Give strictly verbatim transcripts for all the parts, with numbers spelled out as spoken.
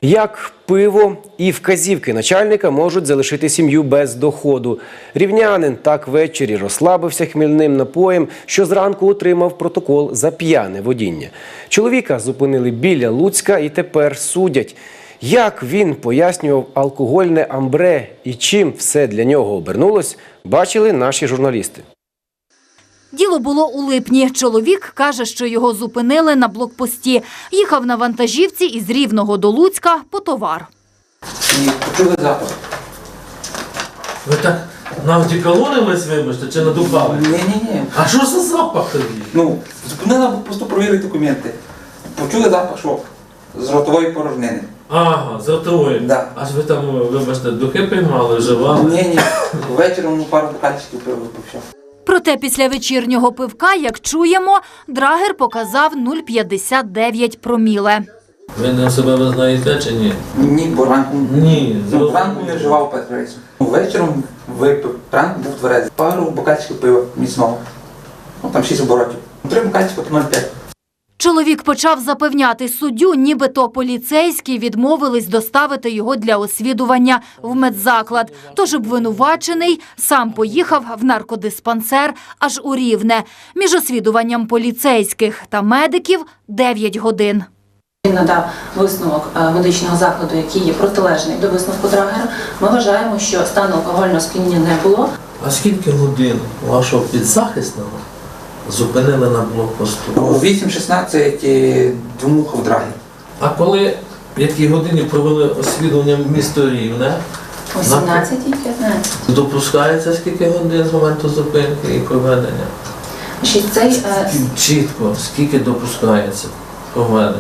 Як пиво і вказівки начальника можуть залишити сім'ю без доходу. Рівнянин так ввечері розслабився хмільним напоєм, що зранку отримав протокол за п'яне водіння. Чоловіка зупинили біля Луцька і тепер судять. Як він пояснював алкогольне амбре і чим все для нього обернулось, бачили наші журналісти. Діло було у липні. Чоловік каже, що його зупинили на блокпості. Їхав на вантажівці із Рівного до Луцька по товар. І почули запах. Ви так навдіколонились, вибачте, чи надупали? Ні-ні-ні. А що за запах тоді? Ну, зупинили просто провірити документи. Почули запах, що з ротової порожнини. Ага, з ротової. Да. Аж ви там, вибачте, духи приймали, вживали? Ні-ні. Ввечері ну, пару бокальчиків пива випив, все. Проте після вечірнього пивка, як чуємо, драгер показав нуль цілих п'ятдесят дев'ять проміле. Ви не себе визнаєте чи ні? Ні, бо ранку, Ні, ну, ранку не вживав петрейсу. Вечором випив, ранку був тверезий. Пару бокальчиків пива міцного. Ну, там шість оборотів. Три бокальчика по нуль цілих п'ять. Чоловік почав запевняти суддю, нібито поліцейські відмовились доставити його для освідування в медзаклад. Тож обвинувачений сам поїхав в наркодиспансер аж у Рівне. Між освідуванням поліцейських та медиків – дев'ять годин. Він надав висновок медичного закладу, який є протилежний до висновку драгера. Ми вважаємо, що стану алкогольного сп'яніння не було. А скільки годин вашого підзахисного зупинили на блокпосту? У вісім шістнадцять двомухав драгер. А коли, в якій годині провели освідування в місто Рівне? О сімнадцятій п'ятнадцятій. Допускається скільки годин з моменту зупинки і проведення? Цей, Чітко, скільки допускається проведення?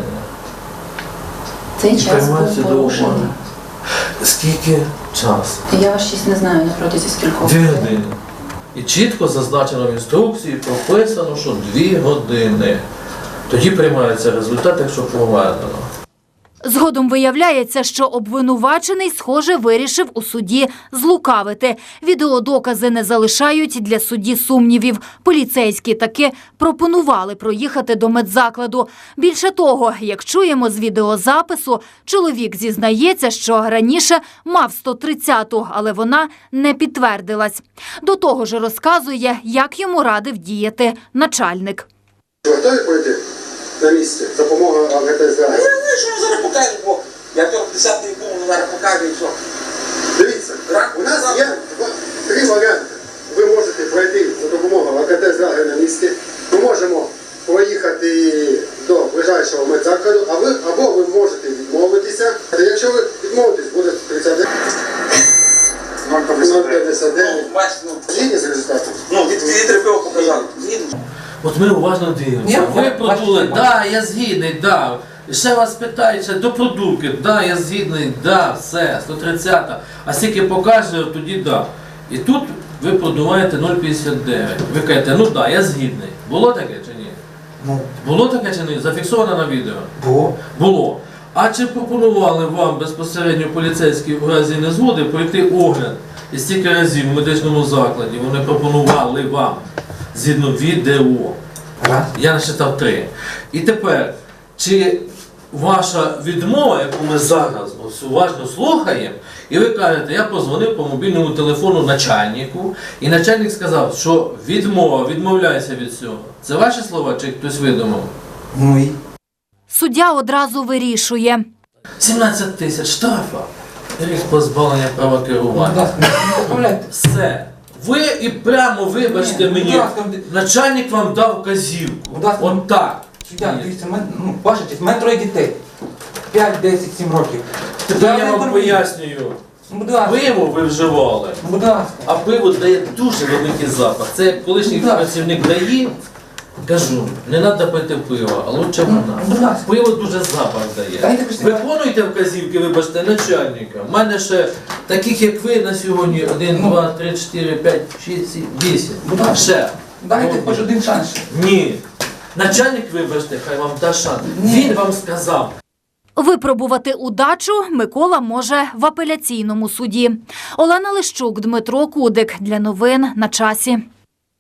цей час був порушений. Скільки часу? Я ваш честь не знаю на протязі скількох. Дві години. І чітко зазначено в інструкції, прописано, що дві години. Тоді приймається результат, якщо проведено. Згодом виявляється, що обвинувачений, схоже, вирішив у суді злукавити. Відеодокази не залишають для судді сумнівів. Поліцейські таки пропонували проїхати до медзакладу. Більше того, як чуємо з відеозапису, чоловік зізнається, що раніше мав сто тридцяту, але вона не підтвердилась. До того ж розказує, як йому радив діяти начальник. Готові пройти на місці? Допомога АГТС. Я знаю, що я зараз покажу, бо я того десятий був, зараз покажу і що. Дивіться, у нас є два, три варіанти. Ви можете пройти за допомогою АГТС на місці. Ми можемо поїхати до ближайшого медзакладу, а ви, або ви можете відмовитися. Якщо ви відмовитесь, буде тридцять дев'ять. нуль п'ятдесят дев'ять. Згідні з результатом? Ну, від літри пива показали. Згідно. От ми уважно дивимося. Ви продули, да, я згідний, да. І ще вас питають, ще до продувки, да, я згідний, да, все, сто тридцята. А скільки покаже, тоді да. І тут ви продуваєте нуль цілих п'ятдесят дев'ять. Ви кажете, ну да, я згідний. Було таке чи ні? Ну, Було таке чи ні? Зафіксовано на відео? було. Було. А чи пропонували вам безпосередньо поліцейські в разі незгоди пройти огляд? І стільки разів в медичному закладі вони пропонували вам згідно відео. Раз. Я насчитав три. І тепер, чи ваша відмова, яку ми зараз ось уважно слухаємо, і ви кажете, я позвонив по мобільному телефону начальнику, і начальник сказав, що відмова, відмовляйся від цього. Це ваші слова, чи хтось видумав? Ну і? Суддя одразу вирішує. сімнадцять тисяч штрафа. Рік позбавлення права керування. Все. Ви і прямо, вибачте Ні, мені, будь ласка, начальник вам дав вказівку. Будь ласка, От так. Суддя, дивіться, мен- ну, ваша честь, в мене троє дітей. п'ять, десять, сім років. Тепер я не вам торгую. пояснюю. Ну, будь ласка. Пиво ви вживали, Будь ласка. а пиво дає дуже великий запах. Це як колишній Так. працівник дає, кажу, не треба пити пиво, а лучше вона. будь ласка. Пиво дуже запах дає. Дайте пішли. Виконуйте вказівки, вибачте, начальника. У мене ще таких, як ви на сьогодні, один, Ну. два, три, чотири, п'ять, шість, сім, вісім. Будь ласка. Ще. Дайте Ну, хоч один шанс. ще. Ні. Начальник, вибачте, хай вам дасть шанс. Ні. Він вам сказав. Випробувати удачу Микола може в апеляційному суді. Олена Лищук, Дмитро Кудик. Для новин на часі.